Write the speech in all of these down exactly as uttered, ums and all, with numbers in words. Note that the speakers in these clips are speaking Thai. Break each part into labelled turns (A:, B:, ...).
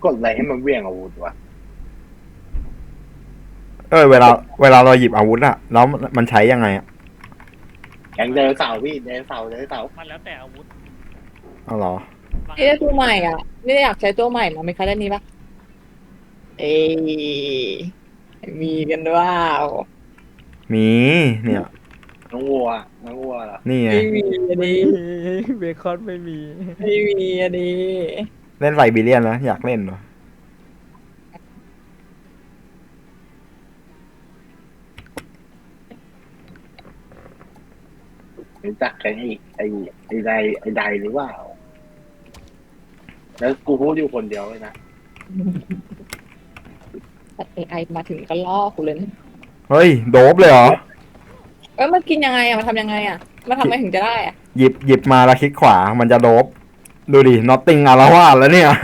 A: กดอะไรให้มันเวี่ยงอาวุธวะ
B: เออเวลาเวลาเราหยิบอาวุธอะแล้วมันใช้ยังไงอะ
A: แข่งเดินเสาพี่เดินเสาเดินเสา
C: มันแล้วแต่อาวุธ
B: อ๋อเหรอ
D: นี่ได้ตัวใหม่อ่ะนี่อยากใช้ตัวใหม่มาไม่คะได้นี้ปะเอ้ยมีกันด้วย
B: มีเนี่ย
A: น้องวัวน้องวัวเหรอ
B: นี่ไง
D: ไม่มีอัน
E: ไม่
D: นี้
E: มีเบคอนไม่มี
D: ไม่มีอันนี้
B: เล่นไซบีเรียนนะอยากเล่นเหรอ
A: รู้จักไอ้ไอ้ไอ้ใดไอ้ใดหรือเปล่าแล้วกูพูดอยู่คนเดียวเลยนะ
D: แต่เอไอมาถึงก็ล่อกูเลยนะ
B: เฮ้ยโดบเลยเหรอ
D: เอ้ยมันกินยังไงอ่ะมันทำยังไงอ่ะมันทำไงถึงจะได้อ่ะ
B: หยิบหยิบมาแล้วคลิกขวามันจะโดบดูดิน็อตติงอารวาสแล้วเนี่ย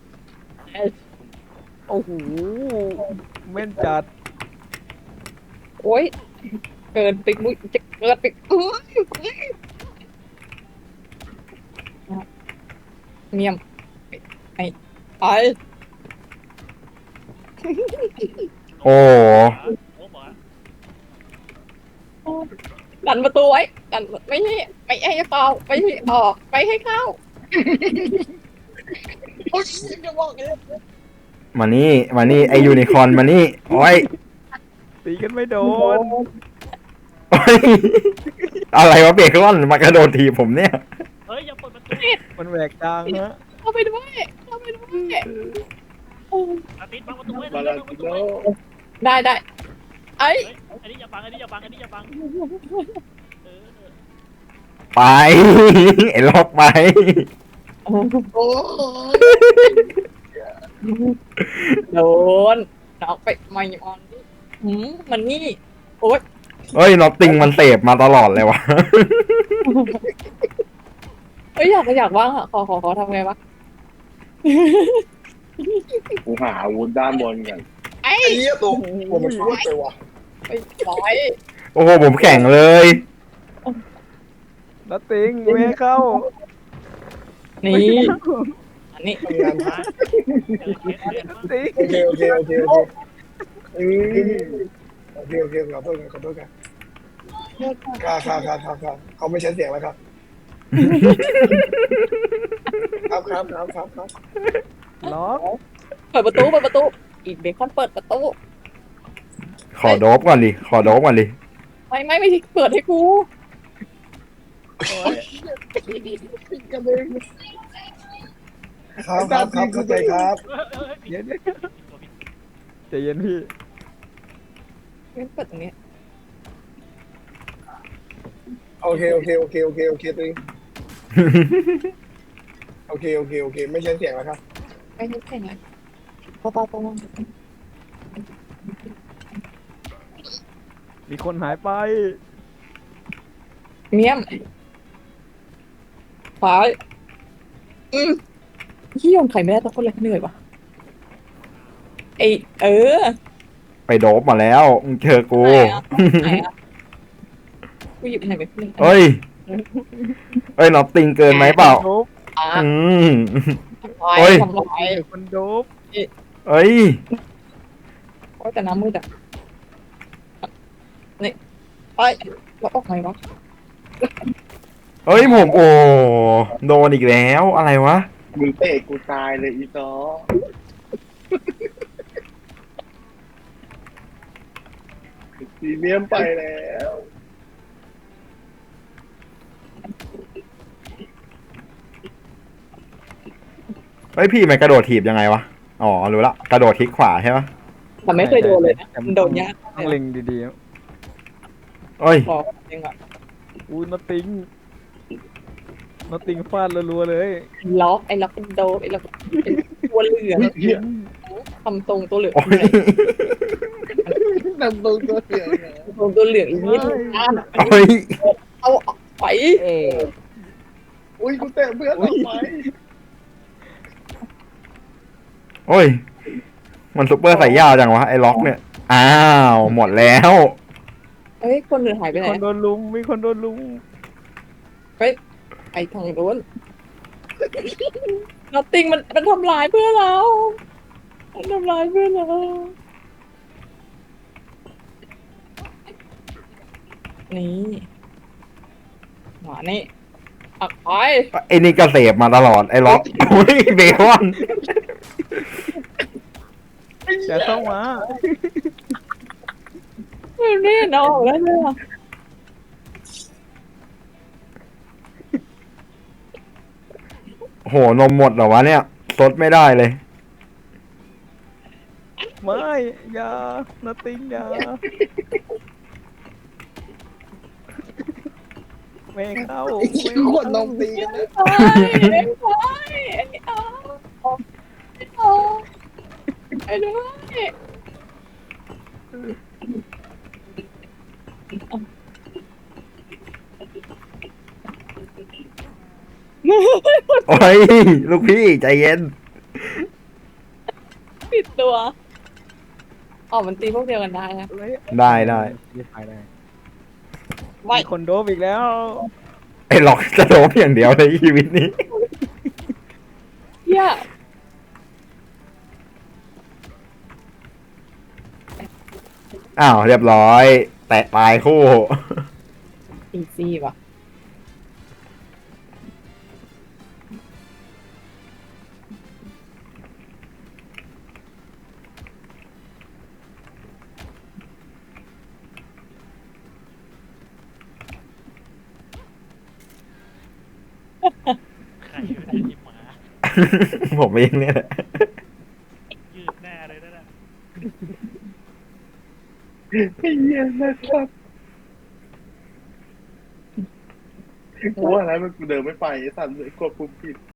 E: โอ้โหแม่นจัด
D: โอ้ยเกินไปมุ้ยจะเกินไปอื้อเมียมไอ้ไอ้
B: โอ้
C: โอ้บอกว่า
D: ดันประตูไว้ดันไม่ให้ไม่ให้เป่าไม่ให้ออกไม่ให้เข้าโอ้ยจะบอกเลย
B: มานี่มานี่ไอยูนิคอร์นมานี่โอ้ย
E: ตีกันไม่โดน
B: โอ้ยอะไรวะเบคอนมากระโดดทีบผมเนี่ย
C: เฮ้ยอย่าเปิดประตู
E: มันแหวกกลางฮะ
D: เข้าไปด้วยเข้าไปด้วย
C: อาทิตย์บังประตูไว้
A: บา
C: บั
A: ลาง
C: ประ
A: กิ
C: ตู
A: โล
C: ไว้
D: ได้ได้ไอ้
C: เฮ้ยอันนี้อย่าบังอันนี้อย่าบังอันนี้อย่าบังเออ
B: ไป ไอ้ล็อกไป
A: โอ้
D: โดนเอาไปไม่ออนหืมมันนี่โอ๊ย
B: เฮ้ยน็อตติงมันเสพมาตลอดเลยวะ
D: เอ้ยอยากอยากว่างอ่ะขอขอขอทำไงวะ
A: กูหาอาวุธด้านบนก่อน
D: ไอ้
F: ไอ้เหี้ยตัวผมมันช่วยไปว่ะ
D: ไอ้ร้อย
B: โอ้โหผมแข่งเลย
E: นัตติงไม่ให้เข้า
D: นี่อันนี้
F: ทำงาน
C: มาเจอเคสเรียนมา
E: ติง
F: โอเคโอเคโอเคโอเคอืมโอเคโอเคขอโทษกันขอโทษกันค่ะค่ะค่ะค่ะค่ะเขาไม่ใช้เสียงแล้วครับครับครับครับครับครับ
E: ล็อก
D: เปิดประตูเปิดประตูอีกเบคอนเปิดประตู
B: ขอโดบก่อนดิขอโดบก่อนดิ
D: ไม่ไม่ไม่เปิดให้กู
F: ครับครับครับเข้าใจครับ
C: เฮ้ยเฮ้ย
E: เดี๋ยวเดี๋ยวใจเย็นพี่
D: ไม่เปิดตรงนี้
F: โอเคโอเคโอเคโอเคโอเคตัวเองโอเคโอเคโอเคไม่ใช้เสียงแล้วครับ
D: ไม่ใช่แค่ไหนปอปอปอ
E: มีคนหายไป
D: เมียมขวาอืมยี่ยมไข่ไม่ได้ทุกคนเลยเหนื่อยวะไอเออ
B: ไปโดบมาแล้วมึงเจอกู
D: ไหนอะกูหยิบไหนไปเพื่อน
B: เฮ้ยเฮ้ยน็อตติงเกินไหมเปล่า
E: โดบ
D: อ่ะ
B: อืม
D: ทำลาย
B: โอ้ย
D: ทำลาย
E: มีคนโดบ
B: เอ้ย
D: โอ้ยแต่น้ำมืดอ่ะนี่ไปแล้วออกไงวะ
B: เฮ้ยผมโอ้โดนอีกแล้วอะไรวะ
A: มึงเตะกูตายเลยอีซอซีเมียมไปแล้ว
B: เฮ้ยพี่มันกระโดดถีบยังไงวะอ๋อรู้ละกระโดดคลิกขวาใช่ปะ
D: แต่ไม่เคยโดนเลยนะมันโดนยาก
E: ต้องเล็งดี
B: เอ้ย
D: บอกเองอ่ะ
E: ๆอู้นัตติงนัตติงฟาดรัวๆเลย
D: ล็อกไอ้ล็อกเป็นโดนไอ้ล็อกเป็นตัวเหลืองทำทรงตัวเหลือง
B: โอ้ย
A: นำตัวตัวเสียง
D: ทรงตัวเหลืองอีกนิดนึงอ่ะ
B: โอ้ย
D: เอาออกไป
E: เออ
A: อุ้ยกูเตะเพื่อนออกไป
B: โอ้ยมันซุปเปอร์ใส่ยาวจังวะไอ้ล็อกเนี่ยอ้าวหมดแล้ว
D: เอ้ยคนเหลือหายไป
E: มี
D: ไหน
E: คนโดนลุมมีคนโดนลุม
D: ไอ้ทางโดนนอตติงมันมันทำร้ายเพื่อนเรามันทำร้ายเพื่อนเรานี่หมานี่อักไป
B: ไอ้นี่ก็เสพมาตลอดไอ้ล็อกอุ้ยเบคอน
E: อย่าเข้ามา
D: ไม่เล่นเอาออกแล้วเนี่ย
B: โหนมหมดเหรอวะเนี่ยซดไม่ได้เลย
E: ไม่อย่านาติงอย่าไม่ให้เข้า
F: ไอ้ขี้ขวดนมตีกันนะ
D: ไปไปเอาเอาไปด้วย
B: โอ้ยลูกพี่ใจเย็น
D: ปิดตัวอ๋อมันตีพวกเดียวกันได้นะ
B: ได้ได้
E: ไม่ตายได้
D: ไม่
E: มีคนโดบอีกแล้ว
B: ไอ้ล็อกจะโดบอย่างเดียวในชีวิตนี้
D: เหี้ย
B: อ้าวเรียบร้อย แตะตายคู่
D: อีซี่ว่ะ
C: ใครไม่ได้หยิบมา
B: ผมเองเนี่ยแหละ
C: ยืดแน่เลยนั่นน่ะ
A: ไอ้เหี้ยนะครับกูว่าอะไรมันกูเดินไม่ไปไอ้สัตว์เลยควบคุมผิด